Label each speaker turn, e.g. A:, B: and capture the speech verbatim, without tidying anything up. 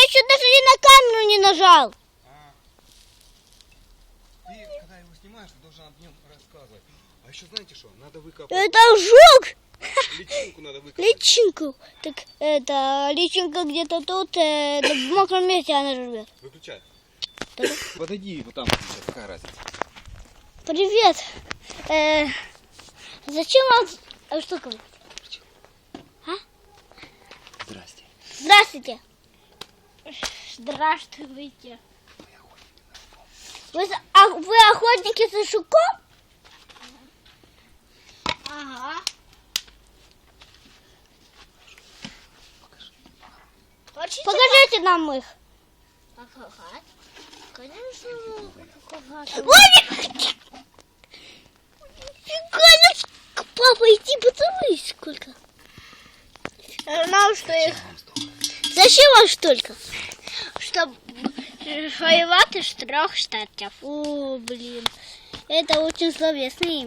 A: еще даже и на камеру не нажал.
B: А. Ты, когда его снимаешь, ты должен об нем рассказывать. А еще знаете что? Надо выкопать.
A: Это жук.
B: Личинку надо выкопать.
A: Личинку. Так это личинка где-то тут, э, в мокром месте она живет.
B: Выключай. Подойди вот там, сейчас какая разница.
A: Привет. Э, зачем вам... А что говорить? А?
B: Здрасте.
A: Здравствуйте. Здравствуйте. Вы, а, вы охотники за жуком? Ага. Покажите, Покажите нам их. Ага. Конечно. Ой, папа, иди поцелуй сколько. Нам что их... Зачем вам столько? Чтобы воевать из трех штатов. О, блин. Это очень словесное имя.